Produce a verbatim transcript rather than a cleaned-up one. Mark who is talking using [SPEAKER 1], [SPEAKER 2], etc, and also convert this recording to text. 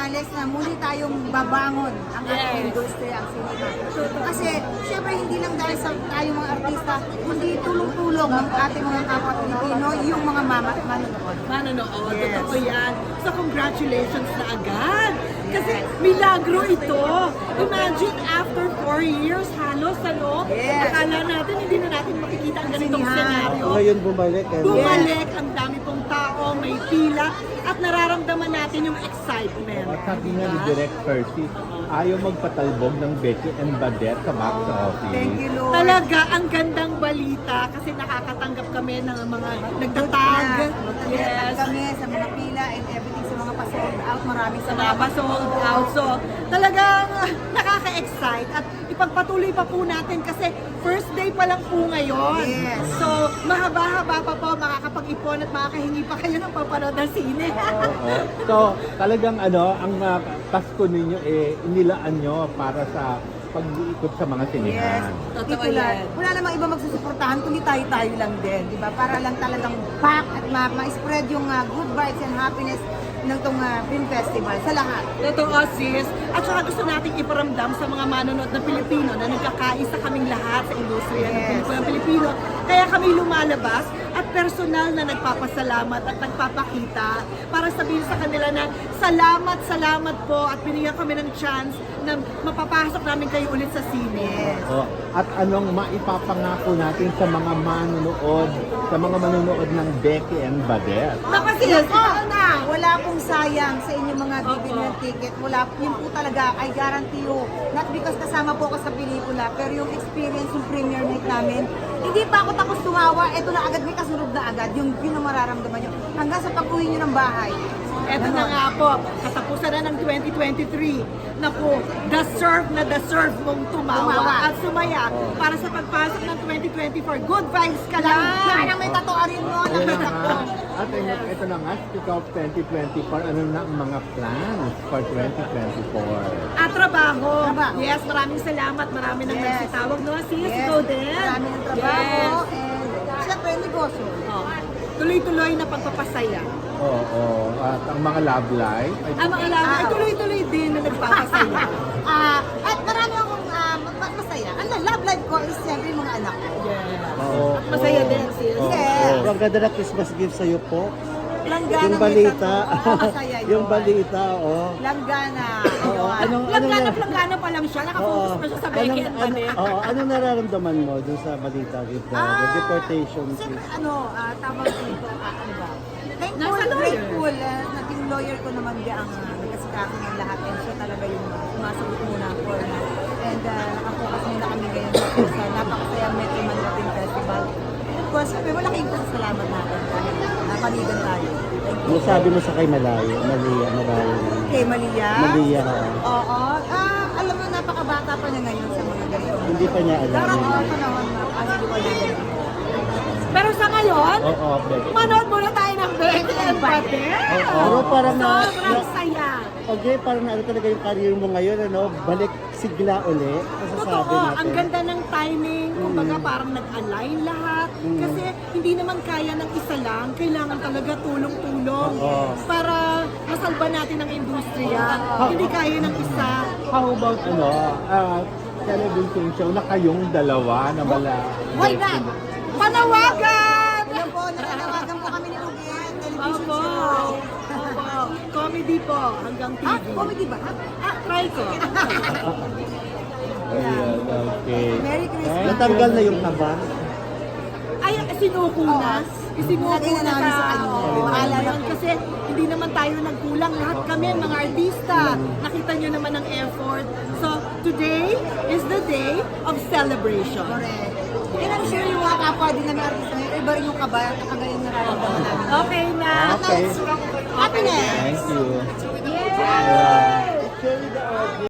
[SPEAKER 1] senyales na muli tayong babangon ang ating
[SPEAKER 2] Yes.
[SPEAKER 1] industriya, ang sinema. Kasi syempre hindi lang dahil sa tayong mga artista, kundi tulong-tulong ng ating mga kapwa Pilipino, yung mga mama at manonood.
[SPEAKER 2] Manonood,
[SPEAKER 1] Yes.
[SPEAKER 2] totoo yan. So congratulations na agad. Kasi milagro ito. Imagine after four years halos ano,
[SPEAKER 1] Yes.
[SPEAKER 2] akala natin hindi na natin makikita ang ganitong
[SPEAKER 1] Sinihan.
[SPEAKER 2] senaryo.
[SPEAKER 3] Ngayon bumalik. Eh.
[SPEAKER 2] Bumalik, ang dami pong tao, may pila, at nararamdaman natin yung excitement.
[SPEAKER 4] At sabi nga ni
[SPEAKER 2] Diba?
[SPEAKER 4] Direk Percy, ayaw magpatalbog ng Becky and Badet sa box office.
[SPEAKER 1] Thank you, Lord.
[SPEAKER 2] Talaga, ang gandang balita kasi nakakatanggap kami ng mga nagtatag.
[SPEAKER 1] Yes.
[SPEAKER 2] Yes.
[SPEAKER 1] Kami sa mga pila and everything sa mga pa-sold out. Maraming
[SPEAKER 2] Sa mga
[SPEAKER 1] salamat.
[SPEAKER 2] sold out. So, talagang ah, nakaka-excite at ipagpatuloy pa po natin kasi first day pa lang po ngayon.
[SPEAKER 1] Yes.
[SPEAKER 2] So, mahaba-haba pa po, makakapag-ipon at makakahingi pa kayo ng papanood ng sine.
[SPEAKER 4] Oo. So, talagang ano, ang uh, Pasko ninyo eh, inilaan nyo para sa pag-iikot sa mga
[SPEAKER 1] Yes.
[SPEAKER 4] sinihan.
[SPEAKER 2] Totoo
[SPEAKER 1] Dito lang.
[SPEAKER 2] yan.
[SPEAKER 1] Wala namang iba magsusuportahan kundi tayo-tayo lang din, di ba? Para lang talagang pack at ma- ma-spread yung ah, good vibes and happiness ng tong ah, film festival sa lahat.
[SPEAKER 2] Totoo, sis. At saka gusto nating iparamdam sa mga manonood na Pilipino na nagkakaisa kaming lahat sa industriya ng
[SPEAKER 1] Yes.
[SPEAKER 2] pelikulang Pilipino. Kaya kami lumalabas at personal na nagpapasalamat at nagpapakita para sabihin sa kanila na salamat, salamat po at binigyan kami ng chance na mapapasok namin kayo ulit sa sine.
[SPEAKER 1] Yes.
[SPEAKER 4] Oh, at anong maipapangako natin sa mga manonood, sa mga manonood ng Becky and Badet?
[SPEAKER 2] Naku, sis,
[SPEAKER 1] Yes,
[SPEAKER 2] ikaw na!
[SPEAKER 1] wala pong sayang sa inyong mga bibili ng ticket. Wala, yun po talaga, I guarantee you. Not because kasama po ako sa pelikula, pero yung experience, yung premiere night namin, hindi pa ako tapos tumawa, eto na agad, may kasunod na agad, yung, yun ang mararamdaman nyo. Hanggang sa pag-uwi nyo ng bahay.
[SPEAKER 2] Eto na nga po, katapusan na ng twenty twenty-three. Naku, deserve na deserve mong tumawa,
[SPEAKER 1] Tumawa.
[SPEAKER 2] at sumaya para sa pagpasok ng twenty twenty-four. Good vibes ka lang!
[SPEAKER 1] Yan ang may tatuarin mo,
[SPEAKER 4] Ayun na
[SPEAKER 1] nakita ko.
[SPEAKER 4] nga. At ito, ito na nga, speak of twenty twenty-four, ano na ang mga plans for twenty twenty-four?
[SPEAKER 2] At trabaho.
[SPEAKER 1] Trabaho.
[SPEAKER 2] Yes, maraming salamat. Marami nang
[SPEAKER 1] Yes.
[SPEAKER 2] nagsitawag. No, sis,
[SPEAKER 1] Yes,
[SPEAKER 2] ikaw din.
[SPEAKER 1] marami ng trabaho,
[SPEAKER 2] Yes.
[SPEAKER 1] and syempre, negosyo.
[SPEAKER 2] Oh. Tuloy-tuloy na pagpapasaya.
[SPEAKER 4] Oo, at ang mga love life. Ay,
[SPEAKER 2] Ang mga lama ay
[SPEAKER 1] Ah.
[SPEAKER 2] tuloy-tuloy din na nagpapasaya.
[SPEAKER 1] Ah, at marami akong ah, ma- masaya. Ang love life ko is siyempre yung mga anak ko.
[SPEAKER 2] Yes.
[SPEAKER 4] oo,
[SPEAKER 2] Masaya
[SPEAKER 4] oo.
[SPEAKER 2] din, sis.
[SPEAKER 4] Oo,
[SPEAKER 1] Yes.
[SPEAKER 4] oo.
[SPEAKER 3] Ang ganda na Christmas gift sa'yo po.
[SPEAKER 1] Langgana
[SPEAKER 3] Yung
[SPEAKER 1] may
[SPEAKER 3] balita.
[SPEAKER 1] tattoo. Oo, masaya yun.
[SPEAKER 3] yung balita, oh.
[SPEAKER 1] Langgana.
[SPEAKER 3] Oo,
[SPEAKER 1] Yun.
[SPEAKER 3] anong, anong,
[SPEAKER 2] Langgana-langgana pa lang siya. Nakafocus
[SPEAKER 3] Oo.
[SPEAKER 2] pa siya sa Becky
[SPEAKER 3] Anong,
[SPEAKER 2] and
[SPEAKER 3] ano,
[SPEAKER 2] Badet.
[SPEAKER 3] oo, anong nararamdaman mo dun sa balita with the,
[SPEAKER 1] Ah,
[SPEAKER 3] the deportation
[SPEAKER 1] Siyempre,
[SPEAKER 3] case?
[SPEAKER 1] ano, ah, tawag dito, ah, ano ba? Thankful,
[SPEAKER 2] Nasa lawyer.
[SPEAKER 1] grateful. ah, naging lawyer ko naman di ang uh, nagkasikaso ng lahat. And siya talaga yung sumasagot muna for na. And uh, nakapokus muna kami ngayon sa sa napakasayang Metro Manila Film Festival. Of course, sabi, malaking pasasalamat natin dahil napanigan tayo. Thank you.
[SPEAKER 3] Masabi mo sa kay Malayo, Malia, Malayo.
[SPEAKER 1] Kay Malia.
[SPEAKER 3] Malia, oo.
[SPEAKER 1] Oo. Ah, alam mo, napakabata pa niya ngayon sa mga ganito.
[SPEAKER 3] Hindi pa niya alam.
[SPEAKER 1] Darating ang panahon na ano di ba yun?
[SPEAKER 2] Pero sa ngayon,
[SPEAKER 4] Oo, Becky.
[SPEAKER 2] manood muna tayo ng Becky and Badet.
[SPEAKER 3] Pero parang na,
[SPEAKER 2] Sobrang
[SPEAKER 3] na,
[SPEAKER 2] saya.
[SPEAKER 3] okay, parang na, ano talaga yung career mo ngayon, ano, balik sigla uli. Masasabi
[SPEAKER 2] Totoo,
[SPEAKER 3] natin.
[SPEAKER 2] ang ganda ng timing, kumbaga parang nag-align lahat.
[SPEAKER 3] Mm.
[SPEAKER 2] Kasi hindi naman kaya ng isa lang, kailangan talaga tulong-tulong
[SPEAKER 3] Oo.
[SPEAKER 2] para masalba natin ang industriya. Hindi kaya ng isa.
[SPEAKER 4] How about ano, uh, television show na kayong dalawa na wala?
[SPEAKER 1] Why not?
[SPEAKER 2] Panawagan!
[SPEAKER 1] Alam po, nakanawagan po kami ni Ruben, television
[SPEAKER 2] Opo.
[SPEAKER 1] show.
[SPEAKER 2] Opo. Comedy po, hanggang T V.
[SPEAKER 1] Ah, comedy ba?
[SPEAKER 2] Ah, try ko.
[SPEAKER 4] Ayan, okay.
[SPEAKER 1] Merry Christmas.
[SPEAKER 3] Natanggal na yung kaba.
[SPEAKER 2] Ay, sinuko na. Isinuko
[SPEAKER 1] Lagay na
[SPEAKER 2] na
[SPEAKER 1] namin
[SPEAKER 2] sa
[SPEAKER 1] sa kanya.
[SPEAKER 2] Oo,
[SPEAKER 1] Bahala
[SPEAKER 2] ayun.
[SPEAKER 1] na.
[SPEAKER 2] Kasi hindi naman tayo nagkulang. Lahat kami, mga artista. Nakita nyo naman ang effort. So, today is the day of celebration.
[SPEAKER 1] Correct. And I'm sure yung mga kapwa din namin artista ngayon, iba rin yung kaba, nakagaling nararamdaman namin.
[SPEAKER 2] Okay na.
[SPEAKER 4] Okay.
[SPEAKER 1] Happiness!
[SPEAKER 4] Thank you.
[SPEAKER 2] Yay!
[SPEAKER 3] Actually, the